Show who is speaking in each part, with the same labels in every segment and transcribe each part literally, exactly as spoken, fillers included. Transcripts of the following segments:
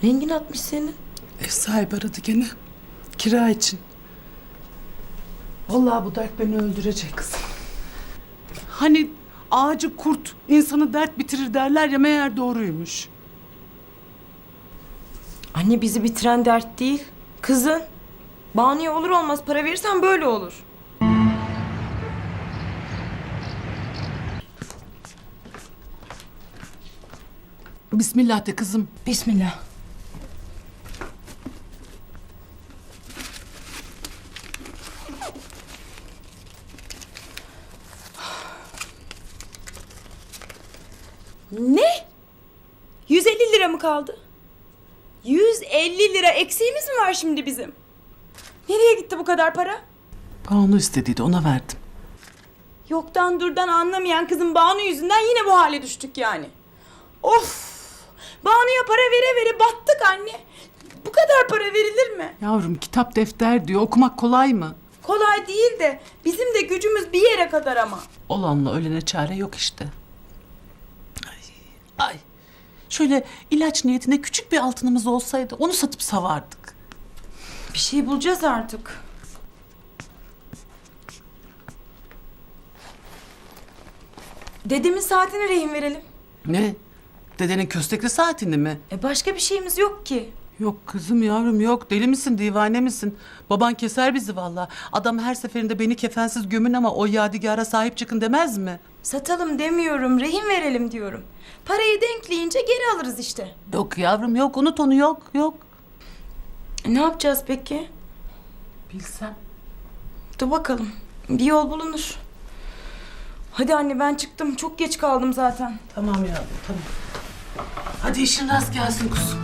Speaker 1: Rengin atmış senin.
Speaker 2: Ev sahibi aradı gene. Kira için. Vallahi bu dert beni öldürecek kızım. Hani ağacı kurt insanı dert bitirir derler ya, meğer doğruymuş.
Speaker 1: Anne bizi bitiren dert değil. Kızın. Banu'ya olur olmaz para verirsen böyle olur.
Speaker 2: Bismillah de kızım.
Speaker 1: Bismillah. Ne? yüz elli lira mı kaldı? yüz elli lira eksiğimiz mi var şimdi bizim? Nereye gitti bu kadar para?
Speaker 2: Banu istediydi, ona verdim.
Speaker 1: Yoktan durdan anlamayan kızın Banu yüzünden yine bu hale düştük yani. Of! Banu'ya para vere vere battık anne. Bu kadar para verilir mi?
Speaker 2: Yavrum kitap defter diyor, okumak kolay mı?
Speaker 1: Kolay değil de bizim de gücümüz bir yere kadar ama.
Speaker 2: Olanla ölene çare yok işte. Ay, ay. Şöyle ilaç niyetine küçük bir altınımız olsaydı onu satıp savardık.
Speaker 1: Bir şey bulacağız artık. Dedemin saatini rehin verelim.
Speaker 2: Ne? Dedenin köstekli saatini mi?
Speaker 1: E başka bir şeyimiz yok ki.
Speaker 2: Yok kızım yavrum yok. Deli misin, divane misin? Baban keser bizi vallahi. Adam her seferinde beni kefensiz gömün ama o yadigar'a sahip çıkın demez mi?
Speaker 1: Satalım demiyorum, rehin verelim diyorum. Parayı denkleyince geri alırız işte.
Speaker 2: Yok yavrum yok, unut onu, yok yok.
Speaker 1: E ne yapacağız peki?
Speaker 2: Bilsem.
Speaker 1: Dur bakalım, bir yol bulunur. Hadi anne ben çıktım, çok geç kaldım zaten.
Speaker 2: Tamam yavrum tamam. Hadi işin rast gelsin kuzum.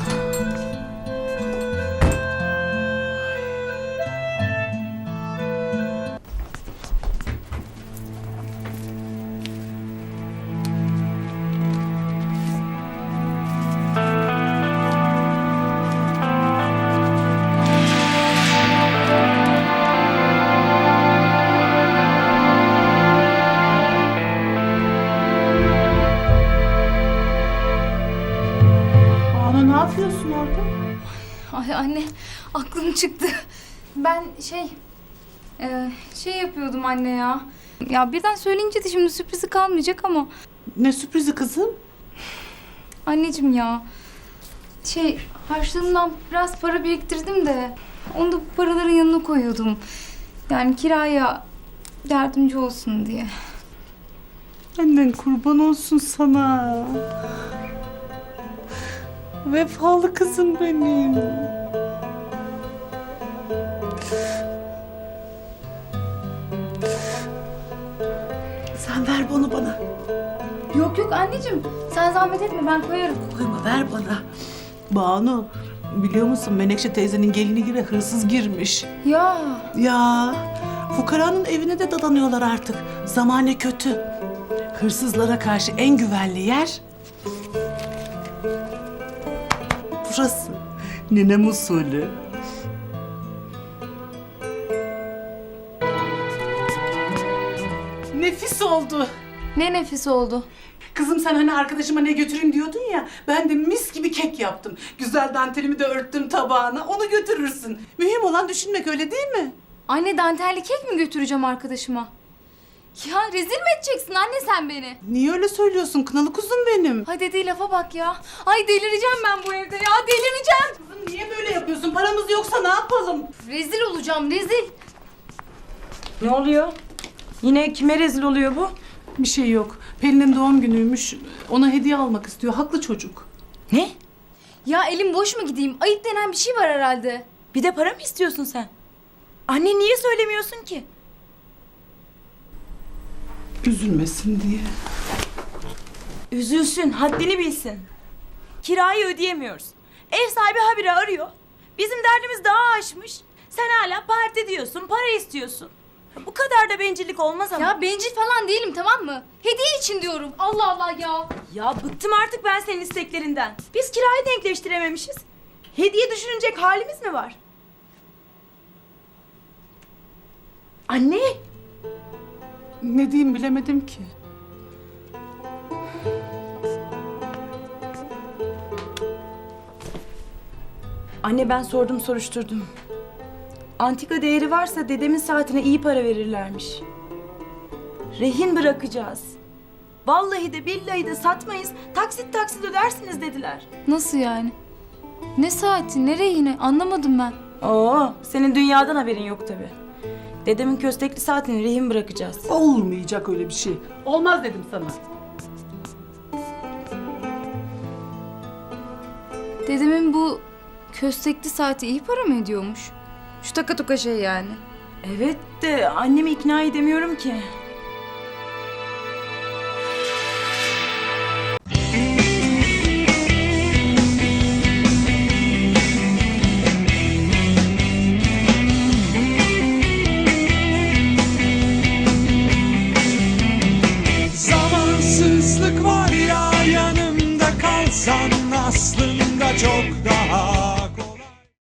Speaker 2: Banu ne yapıyorsun orada?
Speaker 3: Ay anne aklım çıktı. Ben şey e, şey yapıyordum anne ya. Ya birden söyleyince de şimdi sürprizi kalmayacak ama
Speaker 2: Ne sürprizi kızım?
Speaker 3: anneciğim ya. Şey harçlığımdan biraz para biriktirdim de onu da bu paraların yanına koyuyordum. Yani kiraya yardımcı olsun diye.
Speaker 2: Annen kurban olsun sana. Vefalı kızım benim. Sen ver bunu bana.
Speaker 3: Yok yok anneciğim sen zahmet etme ben koyarım.
Speaker 2: Koyma, ver bana. Banu, biliyor musun Menekşe teyzenin gelini gibi hırsız girmiş.
Speaker 3: Ya
Speaker 2: Ya, fukaranın evine de dadanıyorlar artık. Zamane kötü. Hırsızlara karşı en güvenli yer burası. Ninem usulü. Nefis oldu.
Speaker 3: ne nefis oldu.
Speaker 2: Kızım sen hani arkadaşıma ne götüreyim diyordun ya. Ben de mis gibi kek yaptım. Güzel dantelimi de örttüm tabağına. Onu götürürsün. Mühim olan düşünmek, öyle değil mi?
Speaker 3: Anne dantelli kek mi götüreceğim arkadaşıma? Ya rezil mi edeceksin anne sen beni?
Speaker 2: Niye öyle söylüyorsun kınalı kuzum benim?
Speaker 3: Ay dediği lafa bak ya. Ay delireceğim ben bu evde ya delireceğim.
Speaker 2: Kızım niye böyle yapıyorsun? Paramız yoksa ne yapalım?
Speaker 3: Rezil olacağım rezil.
Speaker 1: Ne oluyor? Yine kime rezil oluyor bu?
Speaker 2: Bir şey yok. Pelin'in doğum günüymüş. Ona hediye almak istiyor. Haklı çocuk.
Speaker 1: Ne?
Speaker 3: Ya elim boş mu gideyim? Ayıp denen bir şey var herhalde.
Speaker 1: Bir de para mı istiyorsun sen? Anne niye söylemiyorsun ki?
Speaker 2: Üzülmesin diye.
Speaker 1: Üzülsün, haddini bilsin. Kirayı ödeyemiyoruz. Ev sahibi habire arıyor. Bizim derdimiz daha aşmış. Sen hala parti diyorsun, para istiyorsun. Bu kadar da bencillik olmaz ama.
Speaker 3: Ya bencil falan değilim tamam mı? Hediye için diyorum. Allah Allah ya.
Speaker 1: Ya bıktım artık ben senin isteklerinden. Biz kirayı denkleştirememişiz. Hediye düşünecek halimiz mi var? Anne!
Speaker 2: Ne diyeyim bilemedim ki.
Speaker 1: Anne ben sordum soruşturdum. Antika değeri varsa dedemin saatine iyi para verirlermiş. Rehin bırakacağız. Vallahi de billahi de satmayız. Taksit taksit ödersiniz dediler.
Speaker 3: Nasıl yani? Ne saati, nereye yine? Anlamadım ben.
Speaker 1: Oo, senin dünyadan haberin yok tabii. Dedemin köstekli saatini rehin bırakacağız.
Speaker 2: Olmayacak öyle bir şey. Olmaz dedim sana.
Speaker 3: Dedemin bu köstekli saati iyi para mı ediyormuş? Şu taka toka şey yani.
Speaker 1: Evet de annemi ikna edemiyorum ki.
Speaker 4: Zamansızlık var ya, yanımda kalsan aslında çok daha